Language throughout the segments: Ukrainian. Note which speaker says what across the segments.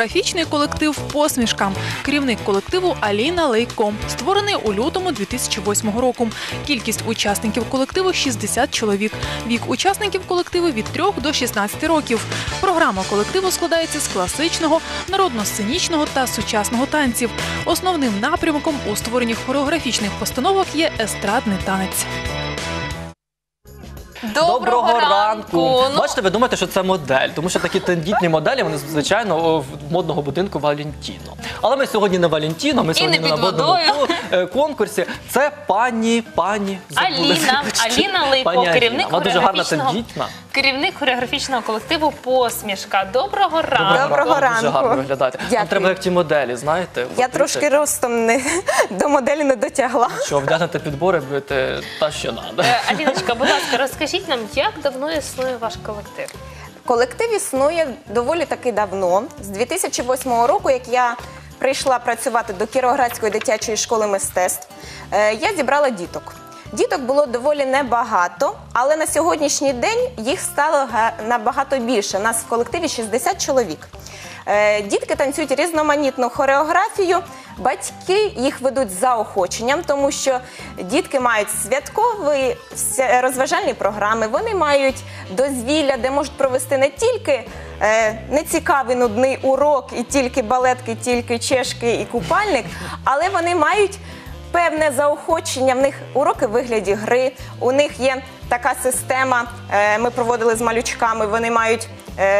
Speaker 1: хореографічний колектив «Посмішка». Керівник колективу Аліна Лейко. Створений у лютому 2008 року. Кількість учасників колективу – 60 чоловік. Вік учасників колективу – від 3 до 16 років. Програма колективу складається з класичного, народно-сценічного та сучасного танців. Основним напрямком у створенні хореографічних постановок є естрадний танець.
Speaker 2: Доброго ранку! Бачите, ви думаєте, що це модель, тому що такі тендітні моделі, вони, звичайно, в модного будинку Валентіно. Але ми сьогодні не Валентіно, ми сьогодні на модному конкурсі. Це пані
Speaker 3: Аліна Лейко, керівник хореографічного колективу «Посмішка». Доброго ранку!
Speaker 2: Доброго ранку! Дуже гарно виглядаєте. Вам треба як ті моделі, знаєте?
Speaker 4: Я трошки ростом до моделі не дотягла.
Speaker 2: Що, вдягнете підбори, будете та що надо.
Speaker 3: Аліночка, будь ласка, розкажіть нам, як давно існує ваш колектив?
Speaker 4: Колектив існує доволі таки давно. З 2008 року, як я прийшла працювати до Кіровоградської дитячої школи мистецтв, я зібрала діток. Діток було доволі небагато, але на сьогоднішній день їх стало набагато більше. У нас в колективі 60 чоловік. Дітки танцюють різноманітну хореографію, батьки їх ведуть з заохоченням, тому що дітки мають святкові розважальні програми, вони мають дозвілля, де можуть провести не тільки нецікавий нудний урок, і тільки балетки, тільки чешки і купальник, але вони мають певне заохочення, в них уроки в вигляді гри, у них є така система, ми проводили з малючками, вони мають,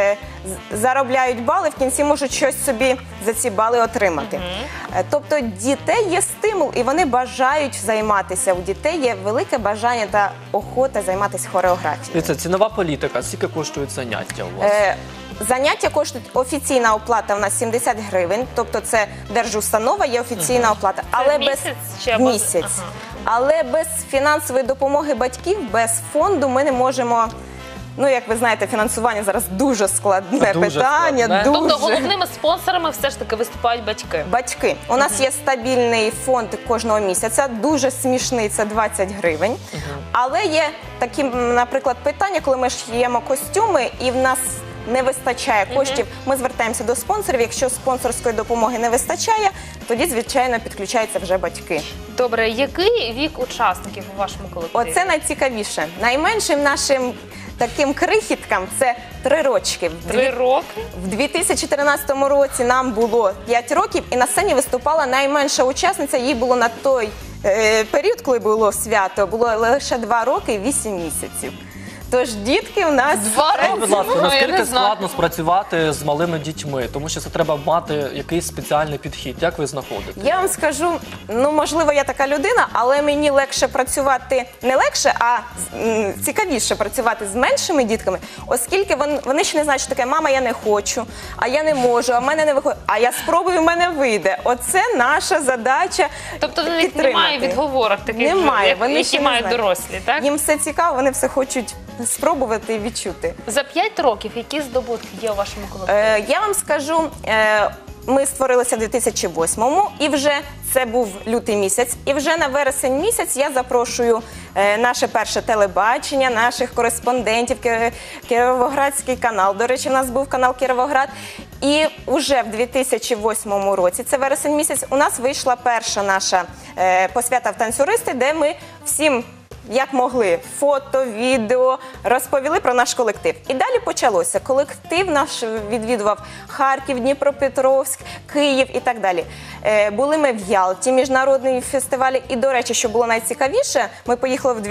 Speaker 4: заробляють бали, в кінці можуть щось собі за ці бали отримати. Тобто дітей є стимул і вони бажають займатися, у дітей є велике бажання та охота займатися хореографією.
Speaker 2: Це цінова політика, скільки коштують заняття у вас?
Speaker 4: Заняття коштують, офіційна оплата у нас 70 гривень, тобто це держустанова, є офіційна оплата.
Speaker 3: Але без
Speaker 4: місяць. Але без фінансової допомоги батьків, без фонду ми не можемо, ну як ви знаєте, фінансування зараз дуже складне питання.
Speaker 3: Тобто головними спонсорами все ж таки виступають батьки?
Speaker 4: Батьки. У нас є стабільний фонд кожного місяця, дуже смішний, це 20 гривень. Але є такі, наприклад, питання, коли ми шиємо костюми і в нас не вистачає коштів, ми звертаємося до спонсорів. Якщо спонсорської допомоги не вистачає, тоді, звичайно, підключаються вже батьки.
Speaker 3: Добре, який вік учасників у вашому колективі?
Speaker 4: Оце найцікавіше. Найменшим нашим таким крихіткам це 3 рочки.
Speaker 3: 3 роки?
Speaker 4: В 2013 році нам було 5 років, і на сцені виступала найменша учасниця. Їй було на той період, коли було свято, було лише 2 роки і 8 місяців. Тож дітки у нас...
Speaker 3: 2 роки?
Speaker 2: Будь ласка, наскільки складно спрацювати з малими дітьми? Тому що це треба мати якийсь спеціальний підхід. Як ви знаходите?
Speaker 4: Я вам скажу, ну, можливо, я така людина, але мені легше працювати, не легше, а цікавіше працювати з меншими дітками, оскільки вони ще не знають, що таке «мама, я не хочу», «а я не можу», «а в мене не виходить», «а я спробую, в мене вийде». Оце наша задача.
Speaker 3: Тобто в них немає відговорок таких, які мають дорослі, так?
Speaker 4: Їм все цікаво, вони все хочуть спробувати і відчути.
Speaker 3: За 5 років які здобутки є у вашому колективі?
Speaker 4: Я вам скажу, ми створилися в 2008-му, і вже це був лютий місяць, і вже на вересень місяць я запрошую наше перше телебачення, наших кореспондентів, Кіровоградський канал. До речі, в нас був канал «Кіровоград». І вже в 2008 році, це вересень місяць, у нас вийшла перша наша посвята в танцюристи, де ми всім, як могли, фото, відео, розповіли про наш колектив. І далі почалося. Колектив наш відвідував Харків, Дніпропетровськ, Київ і так далі. Були ми в Ялті, міжнародний фестиваль. І, до речі, що було найцікавіше, ми поїхали в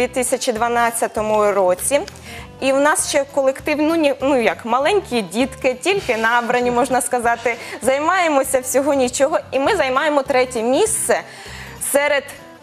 Speaker 4: 2012 році. І в нас ще колектив, ну як, маленькі дітки, тільки набрані, можна сказати. Займаємося всього нічого. І ми займаємо 3-е місце серед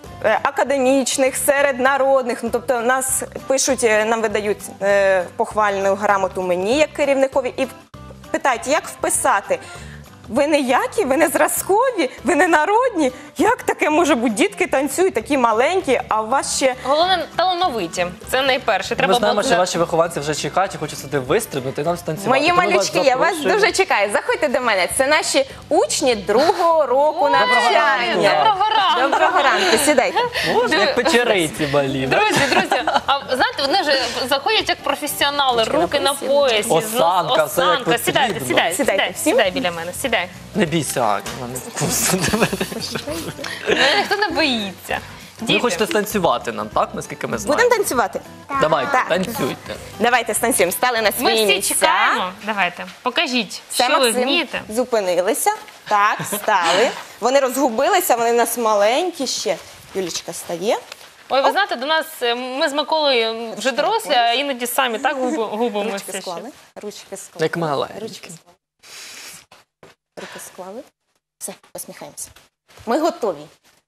Speaker 4: академічних, серед народних. Ну, тобто нас пишуть, нам видають похвальну грамоту мені, як керівникові, і питають, як вписати. Ви ніякі, ви не зразкові, ви не народні. Як таке може бути? Дітки танцюють, такі маленькі, а у вас ще...
Speaker 3: Головне, талановиті. Це найперше.
Speaker 2: Ми знаємо, що ваші вихованці вже чекають і хочуть сюди вистрибнути і нам станцювати.
Speaker 4: Мої малючки, я вас дуже чекаю. Заходьте до мене. Це наші учні 2-го року навчання.
Speaker 3: Доброго ранку.
Speaker 4: Доброго ранку. Сідайте.
Speaker 2: Як печериці малі.
Speaker 3: Друзі, знаєте, вони вже заходять як професіонали, руки на поясі,
Speaker 2: Осанка, все як
Speaker 3: Сідайте,
Speaker 2: потрібно.
Speaker 3: сідай біля мене, сідай.
Speaker 2: Не бійся, Аня, вона не вкусна.
Speaker 3: Ніхто не боїться.
Speaker 2: Ви хочете станцювати нам, так? Наскільки ми знаємо.
Speaker 4: Будемо танцювати?
Speaker 2: Давайте,
Speaker 4: Так.
Speaker 2: танцюйте.
Speaker 4: Давайте станцюємо. Стали на
Speaker 3: Ми
Speaker 4: свої
Speaker 3: всі
Speaker 4: місця.
Speaker 3: чекаємо. Давайте, покажіть,
Speaker 4: Все,
Speaker 3: що ви
Speaker 4: Максим,
Speaker 3: вмієте.
Speaker 4: зупинилися. Так, стали. Вони розгубилися, вони в нас маленькі ще. Юлічка стає.
Speaker 3: Ой, ви знаєте, до нас, ми з Миколою вже дорослі, а іноді самі так губимося.
Speaker 4: Ручки склали. Ручки склали.
Speaker 2: Як маленькі.
Speaker 4: Ручки склали. Руки склали. Все, посміхаємося. Ми готові.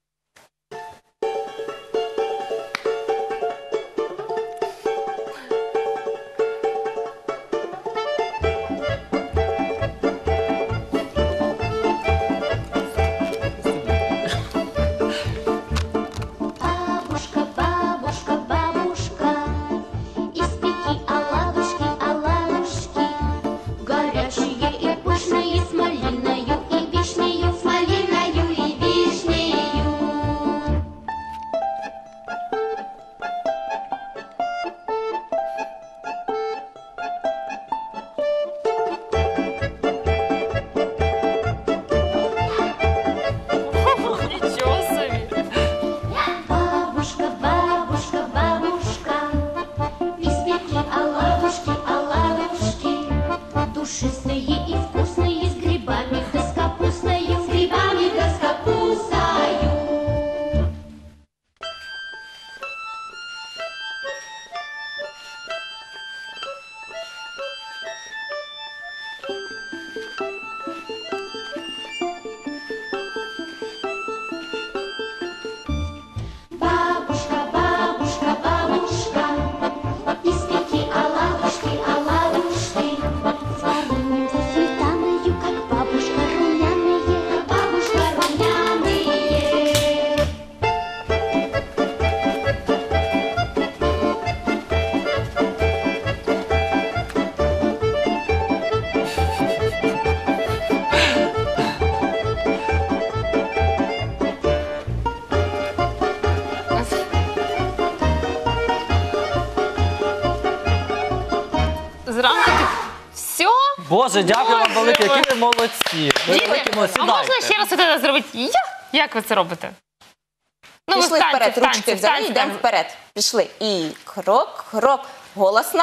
Speaker 5: Бабушка, бабушка, бабушка, испеки оладушки, горячие и пышные, с малиною и вишнею, с малиною и вишнею.
Speaker 3: Нічого собі.
Speaker 5: Бабушка, бабушка, бабушка, испеки оладушки, душистые и вкусные, с грибами да с капустою, с грибами да с капустою. Бабушка, бабушка, бабушка, испеки оладушки, с вареньем со сметаною, как бабушка румяные, как бабушка румяные.
Speaker 3: Зранку так все?
Speaker 2: Боже, дякую вам велике,
Speaker 3: Боже
Speaker 2: які ви молодці. Ви великі
Speaker 3: Діти,
Speaker 2: молодці.
Speaker 3: а можна
Speaker 2: Сідайте.
Speaker 3: ще раз це зробити? Як ви це робите? Ну, ви
Speaker 4: Пішли
Speaker 3: в танці,
Speaker 4: вперед,
Speaker 3: в танці,
Speaker 4: ручки
Speaker 3: в
Speaker 4: взяли,
Speaker 3: танці,
Speaker 4: йдемо
Speaker 3: там.
Speaker 4: вперед. Пішли. І крок, крок. Голосна.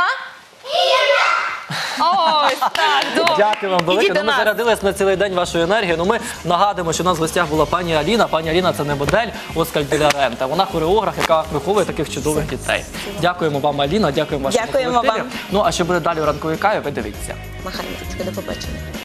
Speaker 3: Ось так, добре.
Speaker 2: Дякую вам велике.
Speaker 3: Ідіть до
Speaker 2: Ну, ми
Speaker 3: нас.
Speaker 2: зарядились на цілий день вашою енергією. Ну, ми нагадуємо, що у нас в гостях була пані Аліна. Пані Аліна – це не модель Оскар Білярента. Вона хореограф, яка виховує таких чудових дітей. Дякуємо вам, Аліна, дякуємо вашому
Speaker 4: Дякуємо
Speaker 2: колективі.
Speaker 4: вам.
Speaker 2: Ну, а що буде далі у ранковій каві, ви дивіться.
Speaker 4: Махаємо ручки, до побачення.